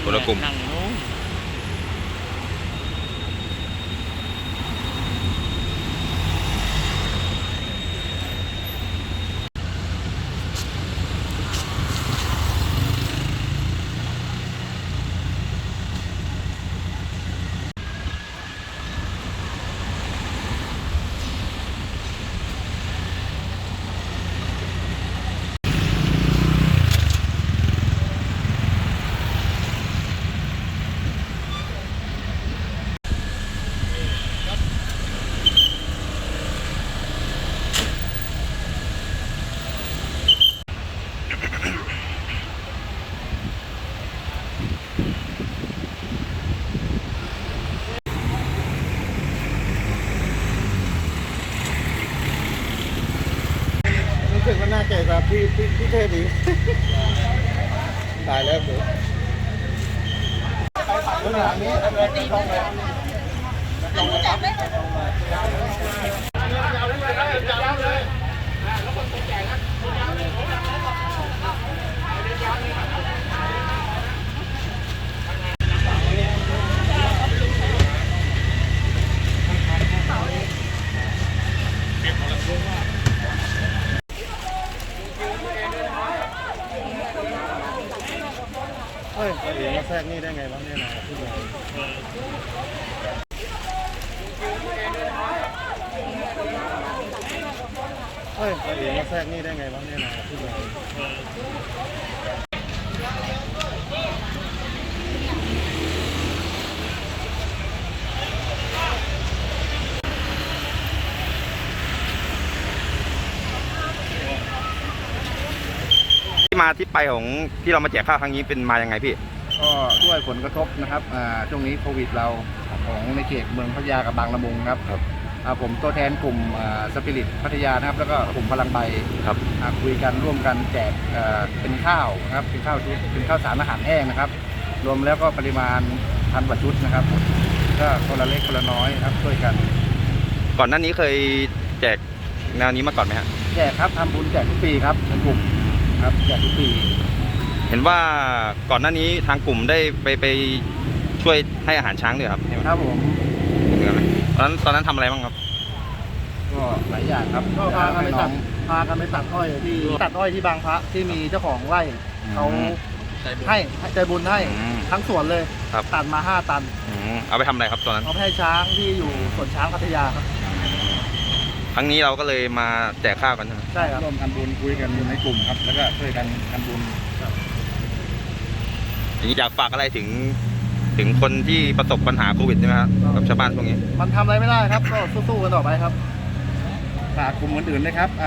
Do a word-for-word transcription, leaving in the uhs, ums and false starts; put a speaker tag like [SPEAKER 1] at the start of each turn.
[SPEAKER 1] คนละกลุ่ม
[SPEAKER 2] รู้สึกว่าน่าเกลียดครับพี่พี่พี่เทพดีตายแล้วผมเรื่องราวนี้ต้องไปต้องเฮ้ยตัวเองมาแทรกนี่ได้ไงวะเนี่ยนะพี่บอยเฮ้ยตัวเองมาแทรกนี่ได้ไงวะเนี่ยนะพี่บอย
[SPEAKER 1] ที่มาที่ไปของที่เรามาแจกข้าวครั้งนี้เป็นมายังไงพี่
[SPEAKER 2] ก็ด้วยผลกระทบนะครับช่วงนี้โควิดเราของในเขตเมืองพัทยากับบางละมุงครับผมตัวแทนกลุ่มสปิริตพัทยานะครับแล้วก็กลุ่มพลังใบครับคุยกันร่วมกันแจกเป็นข้าวนะครับเป็นข้าวชุดเป็นข้าวสารอาหารแห้งนะครับรวมแล้วก็ปริมาณพันกว่าชุดนะครับก็คนละเล็กคนละน้อยครับช่วยกัน
[SPEAKER 1] ก่อนหน้านี้เคยแจกแนวนี้มาก่อนไหมฮะ
[SPEAKER 2] แจกครับทำบุญแจกทุกปีครับในกลุ่มครับแจกทุกปี
[SPEAKER 1] เห็นว่าก่อนหน้านี้ทางกลุ่มได้ไปไปช่วยให้อาหารช้างด้วยครับ
[SPEAKER 2] ครับผม
[SPEAKER 1] ตอนนั้นตอนนั้นทำอะไรบ้างครับ
[SPEAKER 2] ก็หลายอย่างครับก็พากันไปตัดพากันไปตัดอ้อยที่ตัดอ้อยที่บางพระที่มีเจ้าของไร่เขาให้ใจบุญให้ทั้งสวนเลยตัดมาห้าตัน
[SPEAKER 1] เอาไปทำอะไรครับตอนนั้น
[SPEAKER 2] เอาไปให้ช้างที่อยู่สวนช้างพัทยาครับ
[SPEAKER 1] ครั้งนี้เราก็เลยมาแจกข้าวกันใช่ไหม
[SPEAKER 2] ใช่ครับร่วมกันบุญคุยกันในกลุ่มครับแล้วก็ช่วยกันทำบุญ
[SPEAKER 1] อย่างนี้อยากฝากอะไรถึงถึงคนที่ประสบปัญหาโควิดใช่ไหมครับกับชาวบ้านพวกนี้
[SPEAKER 2] มันทำอะไรไม่ได้ครับก็สู้ๆกันต่อไปครับฝากกลุ่มอื่นๆเลยครับ